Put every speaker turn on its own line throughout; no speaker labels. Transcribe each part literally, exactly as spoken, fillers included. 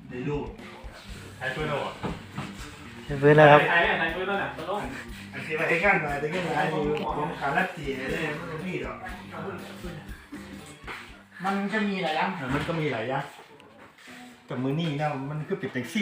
ได้ลูกใช้ปืนหรอ
ปืนแล้วครับ
ใช้ใช้ปืนแล้วเนี่ยตลก
อันที่ว่าไอ้ข้างมาไอ้ข้างมาอยู่ผมขาลัดจีเลยมันก็มีหรอก
มันจะมีหลายอย่าง
มันก็มีหลายอย่างแต่มือนี่นะมันคือปิดแท็กซี่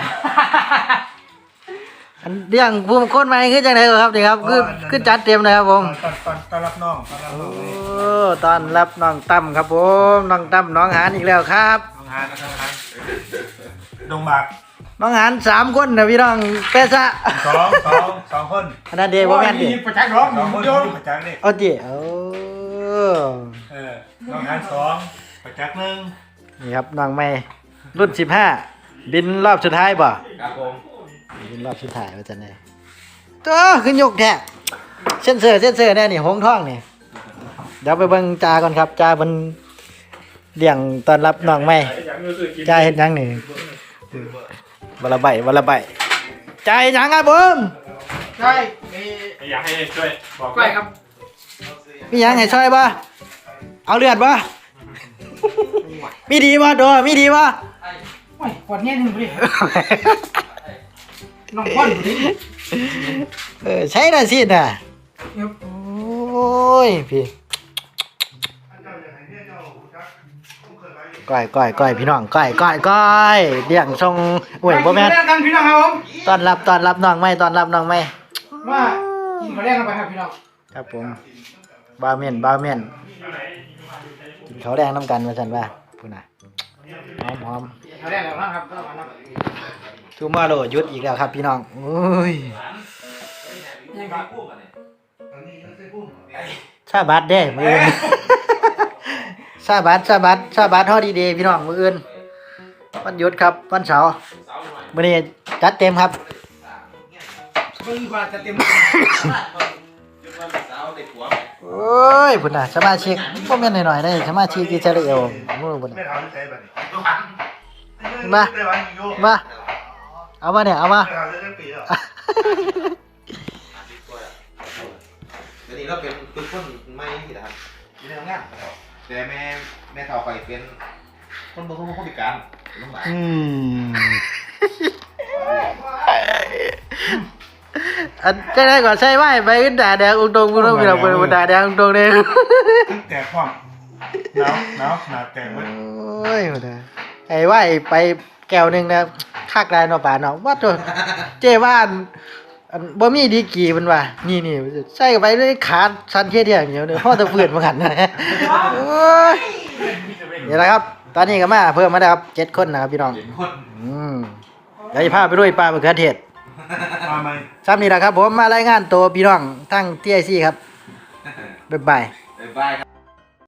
อันเรื่องภูมิคนใหม่คือจังได๋ครับนี่ครับคือคือจัดเต็มเลยครับผม
ตอนตอนตอนรับน้องตอนรับน้อง
โอ้ตอนรับน้องตั้มครับผมน้องตั้มน้องหานอีกแล้วครับ
น้องหานน้องหานดงบาก
น้องหานสามคนนะพี่น้องเปซะ
สองสองสองคน
อันนั้นเดบ่แม่นดิ
ประจักษ์ร้อง
สองคนประจักษ์นี่
เอาดิโอ้
เออน้องหานสองประจักษ์หนึ่ง
นี่ครับน้องใหม่รุ่นสิบห้าบินรอบสุดท้ายบ่
ครับผม
บินรอบสุดท้ายว่าจังได๋ตัวขึ้นยกแท้เส้นเสือเส้นเสือแน่นี่หงท้องนี่เดี๋ยวไปเบิ่งจาก่อนครับจาเพิ่นเลี้ยงต้อนรับน้องใหม่จาเฮ็ดหยังนี่บละใบบละใบจาเฮ็ดหยังครับผม
ใช่มี
อยากให้ช่วยบอก
ใช่ครับ
มีหยังให้ช่วยบ่เอาเลือดบ่มีดีบ่โดมีดีบ่
โอ้ยปวดแน่นหนึ่งดิน้องพ่อนดิ
เออใช้ได้สิน่ะโอ้ยพี่ก้อยก้อยก้อยพี่น้องก้อยก้อยก้อยเลี้ยงทรงโอ้ยบ่แม่น
กันพี่น้องครับผม
ต้อนรับต้อนรับน้องใหม่ต้อนรับน้องใหม่
ว่ากินข้าวแรงกันไปครับพี่น้อง
ครับผมบาวเมียนบาวเมียนกินข้าวแดงน้ำกันว่าซั่นว่าพุ่นน่ะหอมหอม
ข้าวแรงแล้วนะครับก็มานะ
ทูมาโลหยุดอีกแล้วครับพี่น้องโอ้ยซาบัดเด้มื้ออื่นซาบัดซาบัดซาบัดฮอดีเดย์พี่น้องมื้ออื่นวันหยุดครับวันเสาร์มื้อนี้จัดเต็มครับ
เพิ่งกว่าจะเต็ม
โอ้ยพุ่นน่ะสมาชิกบ่แม่นน้อยๆเด้สมาชิกอิสราเอลมื้อพุ่นน่ะมามาเอามาเนี่ยเอามา
เดี๋ยวนี้เราเป็นตุ้คนไม่ที่นะครับที่ทำงานแต่แม่แม่เฒ่าไปเป็นคนบางคนคนพิการลำบาก
อืมอันจะได้ก่อนใช่ไหมไปขึ้นด่าแดงอุ้งตรงกูต้องมีเราเปิดด่าแดงอุ้งตรงเนี่ย
แตกความหนาวหนาวหนาวแตกเลย
โอ้ยโหนะไอ้ไหวไปแก้วหนึ่งนะคักได้เนาะป่าเนาะว่าตัวเจ้บ้านอันบ่มีดีกี่มันว่านี่นี่ใส่ไปด้วยขาสั่นเทียเดียวเหนียวเนี่ยพ่อตะเฟือนมาหันนะโอ้ยเดี๋ยวนะครับตอนนี้ก็มาเพิ่มมาแล้วครับเจ็ดคนนะครับพี่น้องอืมเดี๋ยวจะพาไปด้วยปลามะเขือเทศซ้ำนี่แหละครับผมมารายงานตัวพี่น้องทั้ง ที ไอ ซี ครับบ๊ายบาย
บ๊ายบายครับ